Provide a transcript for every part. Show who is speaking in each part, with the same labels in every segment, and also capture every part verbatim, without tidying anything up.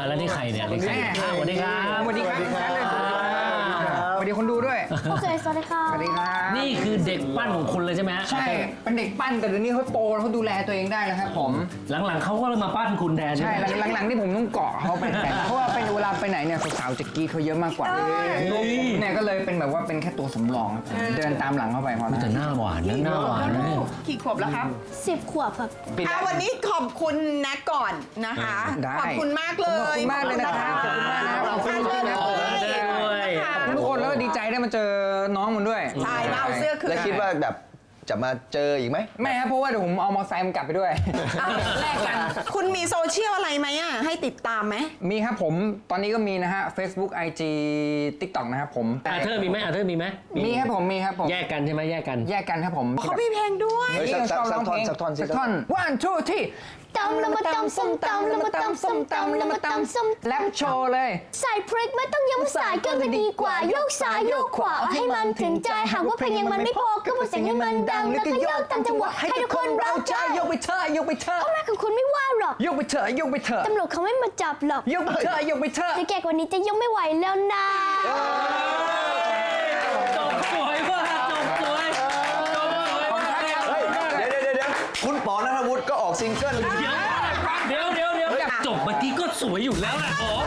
Speaker 1: แล้วนี่ใครเนี่ยนี่ใครสวัสดีครับ
Speaker 2: สวัสดีครับสวัสดีคนดูด้วย
Speaker 3: โอเคสวัสดีครับ
Speaker 2: สวัสดีครับ
Speaker 1: นี่คือเด็กปั้นของคุณเลยใช่ไหม
Speaker 2: ใช่เป็นเด็กปั้นแต่เดี๋ยวนี้เขาโตแล้วเขาดูแลตัวเองได้แล้วครับผม
Speaker 1: หลังๆเขาก็เลยมาปั้นคุณแทน
Speaker 2: ใช่หลังๆที่ผมต้องเกาะเขาไปแต่เพราะว่าเป็นเวลาไปไหนเนี่ยสาวๆจะกรีดเขาเยอะมากกว่าเนี่ยก็เลยเป็นแบบว่าเป็นแค่ตัวสำรองเดินตามหลังเข้าไปพอ
Speaker 1: แต่หน้าหวานนะหน้าหวานนะ
Speaker 4: กี่ขวบแล้วครับ
Speaker 3: สิบขวบครับ
Speaker 4: อ่ะวันนี้ขอบคุณแนทก่อนนะคะขอบคุณมากเลย
Speaker 2: ขอบคุณมากเลยนะครับขอบคุณมากนะครับขอบคุณมากนะครับทุกคนแล้วดีใจได้มาเจอน้องมันด้วย
Speaker 4: ใช่มาเอาเสื้อคืน
Speaker 5: แล้วคิดว่าแบบจะมาเจออีกไหม
Speaker 2: ไม่ครับเพราะว่าเดี๋ยวผมเอามอเตอร์ไซค์มันกลับไปด้วย
Speaker 4: แลกกันคุณมีโซเชียลอะไรไหมอ่ะให้ติดตามไหม
Speaker 2: มีครับผมตอนนี้ก็มีนะฮะ Facebook ไอ จี TikTok นะครับผม
Speaker 1: อาเธอร์มีไหมอาเธอร์มีไหม
Speaker 2: มีครับผมมีครับผม
Speaker 1: แยกกันใช่ไหมแยกกัน
Speaker 2: แยกกันครับผม
Speaker 4: เขามีเพลงด้วย
Speaker 5: สักท่อนสักท่อน
Speaker 2: สักท่อน one two three
Speaker 3: ตำละมาตำส้มตำละมาตำส้มตำละมาตำส้ม
Speaker 2: แรปโชว์เลย
Speaker 3: ใส่พริกไม่ต้องยังสายเกินไปดีกว่าโยกซ้ายโยกขวาให้มันถึงใจหากว่าเพลงยังมันไม่พอก็พูดเสียงให้มันดังแล้วก็โยกตามจังหวะให้ทุกคนเราใจ
Speaker 2: ยกไปเถอะยกไปเถอะ
Speaker 3: พ่อแม่ของคุณไม่ว่าหรอก
Speaker 2: ยกไปเถอะยกไปเถอะ
Speaker 3: ตำรวจเขาไม่มาจับหรอก
Speaker 2: ยกไปเถอะยกไปเถอะ
Speaker 3: จะแก่กว่านี้จะยกไม่ไหวแล้วนะ
Speaker 1: จบสวยมากจบสวยจบสวยมาก
Speaker 5: เดี๋ยวเดี๋ยวเดี๋ยวคุณป๋อณัฐวุฒิก็ออกซิงเกิล
Speaker 1: เดี๋ยวเดี๋ยวเดี๋ยวเดี๋ยวจบเมื่อกี้ก็สวยอยู่แล้วแหละอ๋อ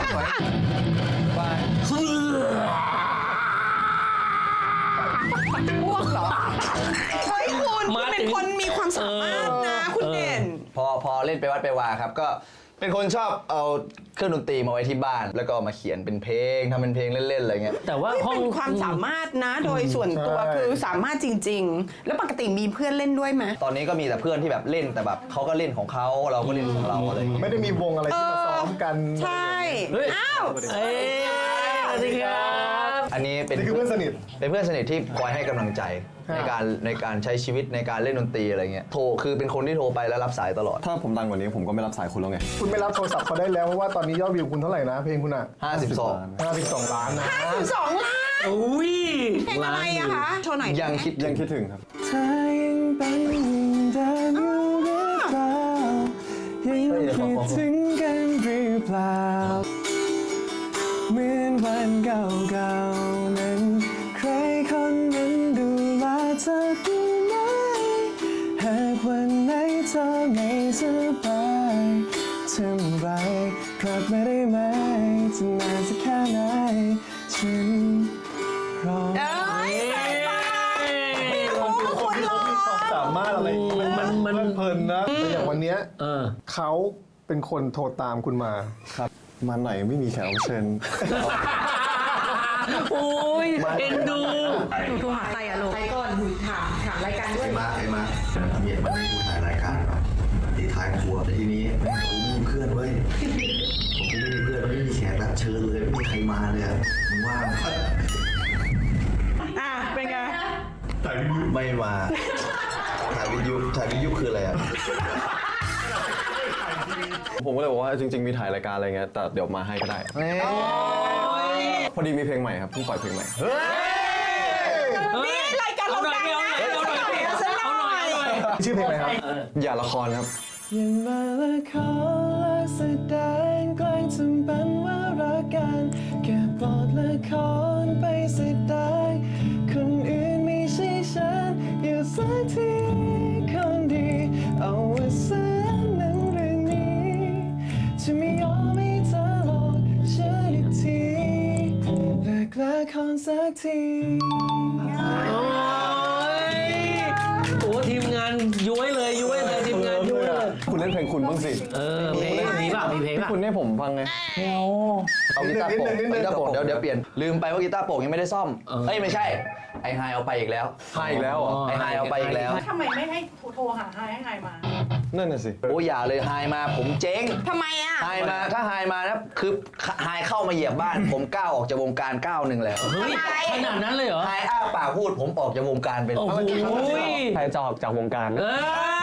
Speaker 4: พวกเหรอเฮ้ยคุณคุณเป็นคนมีความสามารถนะคุณเด่น
Speaker 5: พอพอเล่นไปวัดไปวาครับก็เป็นคนชอบเอาเครื่องดนตรีมาไว้ที่บ้านแล้วก็มาเขียนเป็นเพลงทำเป็นเพลงเล่นๆอะไรเงี้ย
Speaker 1: แต่ว่าห้อง
Speaker 4: เป็นความสามารถนะโดยส่วนตัวคือสามารถจริงๆแล้วปกติมีเพื่อนเล่นด้วยไหม
Speaker 5: ตอนนี้ก็มีแต่เพื่อนที่แบบเล่นแต่แบบเขาก็เล่นของเขาเราก็เล่นของเราอะไร
Speaker 6: ไม่ได้มีวงอะไรที่มาซ้อมกัน
Speaker 4: ใช่อ้าว
Speaker 1: เอ้ยสวัสดีครับ
Speaker 5: อันนี้เป็น
Speaker 6: เพื่อนสนิท
Speaker 5: เป็นเพื่อนสนิทที่คอยให้กำลังใจในการในการใช้ชีวิตในการเล่นดนตรีอะไรเงี้ยโทรคือเป็นคนที่โทรไปแล้วรับสายตลอด
Speaker 7: ถ้าผมดังกว่านี้ผมก็ไม่รับสายคุณแล้วไง
Speaker 6: คุณไม่รับโทรศัพท์เขาได้แล้วเพราะว่าตอนนี้ยอดวิวคุณเท่าไหร่นะเพลงคุณอ่ะ
Speaker 5: ห้าสิบสอง
Speaker 6: ห้าสิบสองล้านนะ
Speaker 4: ห้าสิบสองล้าน
Speaker 1: อุ้ย
Speaker 4: เพลงอะไรอะคะโชว์หน่อย
Speaker 5: ยังคิด
Speaker 7: ยังคิดถึงครับ
Speaker 2: เธอยังเป็นเดิมอยู่หรือเปล่ายังคิดถึงกันหรือเปล่าเหมือนวันเก่าๆนั้นใครคนนั้นดูแลเธอดีไหมหากวันไหนเธอไม่สบายทำไรกลับมาได้ไหมจะนานสักแค่ไหนฉันรอ
Speaker 4: เอ้ยใส่ปากไม่รู้คุณรอ
Speaker 6: สามารถอะไร
Speaker 1: มันมัน
Speaker 6: เพลินนะแต่อย่างวันนี้เขาเป็นคนโทรตามคุณมา
Speaker 7: ครับมาไหนไม่มีแขกรับเชิญ
Speaker 1: โอ้ยเอ็นดู
Speaker 4: หนูโทรหาใครอะลูกใครก่อนหนูถามถามรายการด้วย
Speaker 8: ไอ้มาไอ้มาเมียมันไม่ดูถ่ายรายการหรอกตีท้ายครัวแต่ทีนี้ผมมีเพื่อนเว้ยผมไม่มีเพื่อนไม่มีแขกรับเชิญเลยไม่มีใครมาเลยมึงว่า
Speaker 4: อ่ะเป็นไง
Speaker 8: ถ่ายวิทยุไม่มาถ่ายวิทยุถ่ายวิทยุคืออะไรอ่ะ
Speaker 7: ผมก็เลยบอกว่าจริงๆมีถ่ายรายการอะไรเงี้ยแต่เดี๋ยวมาให้ก็ได้พอดีมีเพลงใหม่ครับเพิ่งปล่อยเพลงใหม่
Speaker 4: นี่รายการเราดังนะเอาหน่อยเอาหน่อยเอาหน่อย
Speaker 6: ชื่อเพลงอะไรครับ
Speaker 7: อย่าละครครับ
Speaker 2: อย่ามาละครและแสดงแกล้งทำเป็นว่ารักกันแค่บทละครไปแสดงคนอื่นไม่ใช่ฉันอยู่สักทีคนดีเอาไว้ซะหนังเรื่องนี้จะไม่ยอมให้เธอหลอกฉันอีกทีเลิกละครสักที
Speaker 1: โอ้ทีมงานย้วยเลยย้วยเลยทีมงานย้วยเลย
Speaker 7: คุณเล่นเพลงคุณบ้างสิ
Speaker 1: เออเพลงมีป่ะมีเพลงป่ะ
Speaker 7: คุณให้ผมฟังไง
Speaker 5: เอากีตาร์โปร่งกีตาร์โปร่งเดี๋ยวเดี๋ยวเปลี่ยนลืมไปว่ากีตาร์โปร่งยังไม่ได้ซ่อมเอ้ยไม่ใช่ไอไฮเอาไปอีกแล้ว
Speaker 7: ไฮอีกแล้วอ่ะ
Speaker 5: ไอไฮเอาไปอีกแล้ว
Speaker 9: ทำไมไม่ให้โทรหาไฮให้ไฮมา
Speaker 7: นั่นน่ะสิ
Speaker 5: โอ้ยอย่าเลยไฮมาผมเจ๊ง
Speaker 4: ทำไมอ่ะ
Speaker 5: ไฮมาถ้าไฮมานะคือไฮเข้ามาเหยียบบ้านผมก้าวออกจากวงการก้าวหนึ่งแล้ว
Speaker 1: เฮ้ยขนาดนั้นเลยเหรอ
Speaker 5: ไฮอ้าปากพูดผมออกจากวงการไปแล้ว
Speaker 7: ใครจะออกจากวงการ
Speaker 1: เออ